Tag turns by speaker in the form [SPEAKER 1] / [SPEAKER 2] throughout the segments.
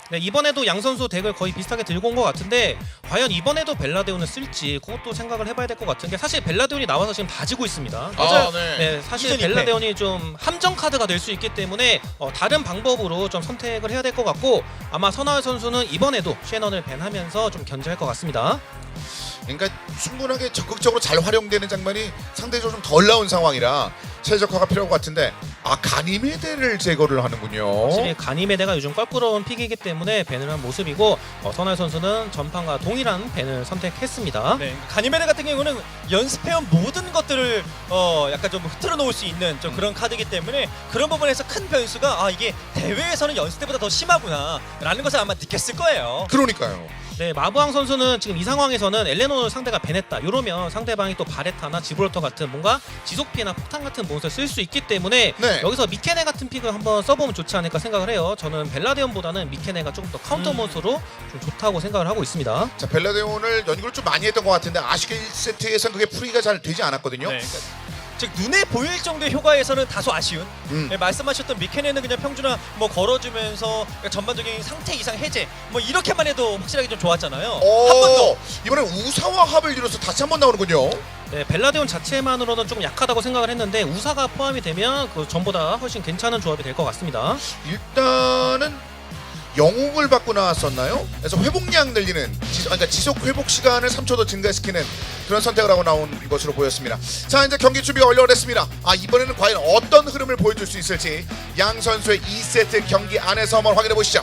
[SPEAKER 1] 네, 이번에도 양 선수 덱을 거의 비슷하게 들고 온 것 같은데 과연 이번에도 벨라데온을 쓸지 그것도 생각을 해봐야 될 것 같은 게 사실 벨라데온이 나와서 지금 다 지고 있습니다.
[SPEAKER 2] 맞아요.
[SPEAKER 1] 네, 사실
[SPEAKER 3] 이전
[SPEAKER 1] 벨라데온이 좀 함정 카드가 될 수 있기 때문에 다른 방법으로 좀 선택을 해야 될 것 같고 아마 선하울 선수는 이번에도 셰넌을 밴하면서 좀 견제할 것 같습니다.
[SPEAKER 2] 그러니까 충분하게 적극적으로 잘 활용되는 장면이 상대적으로 좀 덜 나온 상황이라 최적화가 필요할 것 같은데 가니메데를 제거를 하는군요.
[SPEAKER 1] 확실히 가니메데가 요즘 껄끄러운 픽이기 때문에 밴을 한 모습이고 선하울 선수는 전판과 동일한 밴을 선택했습니다.
[SPEAKER 3] 네, 가니메데 같은 경우는 연습해온 모든 것들을 약간 좀 흐트러 놓을 수 있는 좀 그런 카드이기 때문에 그런 부분에서 큰 변수가 이게 대회에서는 연습 때보다 더 심하구나 라는 것을 아마 느꼈을 거예요.
[SPEAKER 2] 그러니까요.
[SPEAKER 1] 네, 마부왕 선수는 지금 이 상황에서는 엘레노를 상대가 밴했다. 이러면 상대방이 또 바레타나 지브롤터 같은 뭔가 지속피해나 폭탄 같은 몬스터를 쓸 수 있기 때문에
[SPEAKER 2] 네.
[SPEAKER 1] 여기서 미케네 같은 픽을 한번 써보면 좋지 않을까 생각을 해요. 저는 벨라데온보다는 미케네가 조금 더 카운터 몬스터로 좀 좋다고 생각을 하고 있습니다.
[SPEAKER 2] 자, 벨라데온을 연구를 좀 많이 했던 것 같은데 아쉽게 1세트에선 그게 풀이가 잘 되지 않았거든요.
[SPEAKER 3] 네, 그러니까 즉 눈에 보일 정도의 효과에서는 다소 아쉬운 네, 말씀하셨던 미케네는 그냥 평준화 뭐 걸어주면서 그러니까 전반적인 상태 이상 해제 뭐 이렇게만 해도 확실하게 좀 좋았잖아요. 한 번 더
[SPEAKER 2] 이번엔 우사와 합을 이뤄서 다시 한 번 나오는군요.
[SPEAKER 1] 네, 벨라데온 자체만으로는 조금 약하다고 생각을 했는데 우사가 포함이 되면 그 전보다 훨씬 괜찮은 조합이 될 것 같습니다.
[SPEAKER 2] 일단은 영웅을 받고 나왔었나요? 그래서 회복량 늘리는 그러니까 지속 회복 시간을 3초 더 증가시키는 그런 선택을 하고 나온 것으로 보였습니다. 자, 이제 경기 준비가 완료됐습니다. 이번에는 과연 어떤 흐름을 보여줄 수 있을지 양 선수의 2세트 경기 안에서 한번 확인해 보시죠.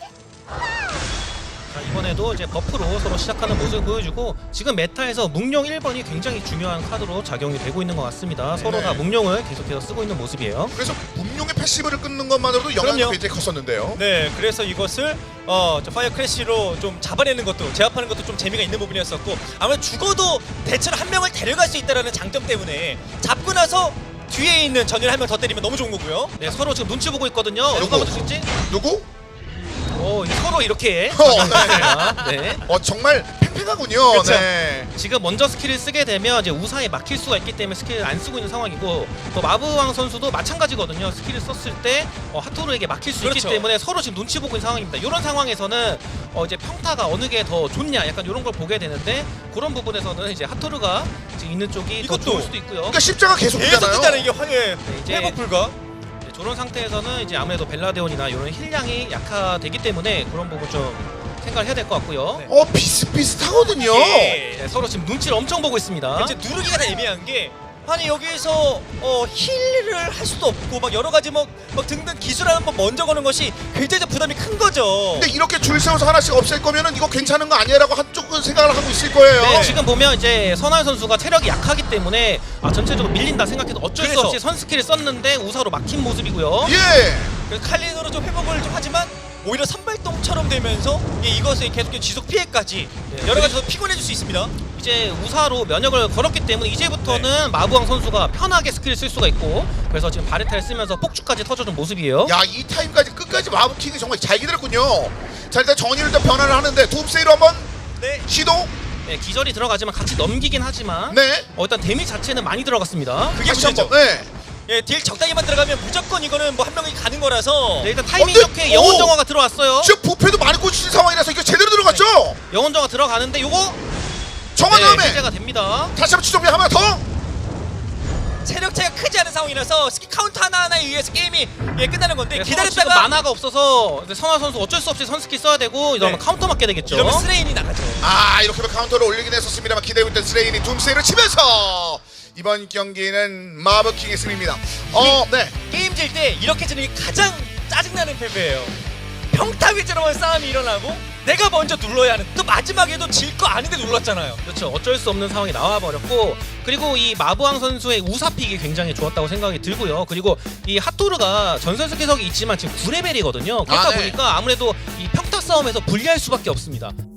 [SPEAKER 1] 자, 이번에도 이제 버프로 서로 시작하는 모습을 보여주고 지금 메타에서 묵룡 1번이 굉장히 중요한 카드로 작용이 되고 있는 것 같습니다. 서로 다 묵룡을 계속해서 쓰고 있는 모습이에요.
[SPEAKER 2] 그래서 분명히 패시브를 끊는 것만으로도 영향이
[SPEAKER 3] 그럼요.
[SPEAKER 2] 굉장히 컸었는데요.
[SPEAKER 3] 네, 그래서 이것을 저 파이어 크래쉬로 좀 잡아내는 것도 제압하는 것도 좀 재미가 있는 부분이었었고 아무래도 죽어도 대체로 한 명을 데려갈 수 있다는 장점 때문에 잡고 나서 뒤에 있는 전열 한 명 더 때리면 너무 좋은 거고요.
[SPEAKER 1] 네, 서로 지금 눈치 보고 있거든요. 누가 먼저 죽지?
[SPEAKER 2] 누구?
[SPEAKER 1] 서로 이렇게 네.
[SPEAKER 2] 정말 팽팽하군요.
[SPEAKER 3] 그쵸?
[SPEAKER 2] 네.
[SPEAKER 1] 지금 먼저 스킬을 쓰게 되면 이제 우사에 막힐 수가 있기 때문에 스킬을 안 쓰고 있는 상황이고 또 마부왕 선수도 마찬가지거든요. 스킬을 썼을 때 하토르에게 막힐 수 있기
[SPEAKER 3] 그렇죠.
[SPEAKER 1] 때문에 서로 지금 눈치 보고 있는 상황입니다. 이런 상황에서는 이제 평타가 어느 게 더 좋냐 약간 이런 걸 보게 되는데 그런 부분에서는 이제 하토르가 지금 있는 쪽이 더
[SPEAKER 3] 이것도
[SPEAKER 1] 좋을 수도 있고요.
[SPEAKER 2] 그러니까 십자가 계속
[SPEAKER 3] 계속
[SPEAKER 2] 뜨잖아요.
[SPEAKER 3] 뜨잖아요. 이게 황해
[SPEAKER 1] 이제
[SPEAKER 3] 회복 불가.
[SPEAKER 1] 저런 상태에서는 이제 아무래도 벨라데온이나 이런 힐량이 약화되기 때문에 그런 부분 좀 생각을 해야 될 것 같고요.
[SPEAKER 3] 네.
[SPEAKER 2] 비슷비슷하거든요.
[SPEAKER 3] 예.
[SPEAKER 1] 서로 지금 눈치를 엄청 보고 있습니다.
[SPEAKER 3] 이제 누르기가 다 애매한 게 아니 여기서 힐을 할 수도 없고 막 여러 가지 막 등등 기술을 한번 먼저 거는 것이 굉장히 부담이 큰 거죠.
[SPEAKER 2] 근데 이렇게 줄 세워서 하나씩 없앨 거면은 이거 괜찮은 거 아니야라고 한쪽은 생각을 하고 있을 거예요.
[SPEAKER 1] 네, 지금 보면 이제 선하울 선수가 체력이 약하기 때문에 전체적으로 밀린다 생각해도 어쩔 수
[SPEAKER 3] 그래서.
[SPEAKER 1] 없이 선스킬을 썼는데 우사로 막힌 모습이고요.
[SPEAKER 2] 예.
[SPEAKER 3] 그래서 칼린으로 좀 회복을 좀 하지만 오히려 선발동처럼 되면서 이것의 계속 지속 피해까지
[SPEAKER 1] 네.
[SPEAKER 3] 여러 가지 더 피곤해질 수 있습니다.
[SPEAKER 1] 이제 우사로 면역을 걸었기 때문에 이제부터는 마부왕 선수가 편하게 스킬을 쓸 수가 있고 그래서 지금 바레타를 쓰면서 폭주까지 터져준 모습이에요.
[SPEAKER 2] 야, 이 타임까지 끝까지 마법킹이 정말 잘 기다렸군요. 자, 일단 정의를 좀 변화를 하는데 둠세이로 한번
[SPEAKER 3] 네.
[SPEAKER 2] 시도.
[SPEAKER 1] 네, 기절이 들어가지만 같이 넘기긴 하지만
[SPEAKER 2] 네.
[SPEAKER 1] 일단 데미 자체는 많이 들어갔습니다.
[SPEAKER 3] 그게
[SPEAKER 2] 다시
[SPEAKER 3] 문제죠.
[SPEAKER 2] 한번. 네.
[SPEAKER 3] 예, 딜 적당히만 들어가면 무조건 이거는 뭐 한 명이 가는 거라서.
[SPEAKER 1] 네, 일단 타이밍
[SPEAKER 2] 근데-
[SPEAKER 1] 좋게 영혼
[SPEAKER 2] 오!
[SPEAKER 1] 정화가 들어왔어요.
[SPEAKER 2] 지금 부패도 많이 꽂히는 상황이라서 이거 제대로 들어갔죠.
[SPEAKER 1] 영혼 정화 들어가는데 요거
[SPEAKER 2] 정한 다음에
[SPEAKER 1] 해제가 됩니다.
[SPEAKER 2] 다시 한번 추정비 하나 더.
[SPEAKER 3] 체력 차이가 크지 않은 상황이라서 스킬 카운터 하나하나에 의해서 게임이 끝나는 건데
[SPEAKER 1] 네,
[SPEAKER 3] 기다렸다가
[SPEAKER 1] 지금 만화가 없어서 선화 선수 어쩔 수 없이 선스킬 써야 되고 이러면
[SPEAKER 3] 네.
[SPEAKER 1] 카운터 맞게 되겠죠.
[SPEAKER 3] 이러면 스레인이 나가죠.
[SPEAKER 2] 이렇게 카운터를 올리긴 했었습니다만 기다리고 있던 스레인이 둠세이를 치면서 이번 경기는 마법킹의 승리입니다. 네.
[SPEAKER 3] 게임 질 때 이렇게 지는 게 가장 짜증나는 패배예요. 평타 위주로만 싸움이 일어나고 내가 먼저 눌러야 하는 또 마지막에도 질 거 아닌데 눌렀잖아요.
[SPEAKER 1] 그렇죠. 어쩔 수 없는 상황이 나와버렸고 그리고 이 마부왕 선수의 우사픽이 굉장히 좋았다고 생각이 들고요. 그리고 이 핫토르가 전설 스킬석이 있지만 지금 9레벨이거든요. 그렇다
[SPEAKER 2] 네.
[SPEAKER 1] 보니까 아무래도 이 평타 싸움에서 불리할 수밖에 없습니다.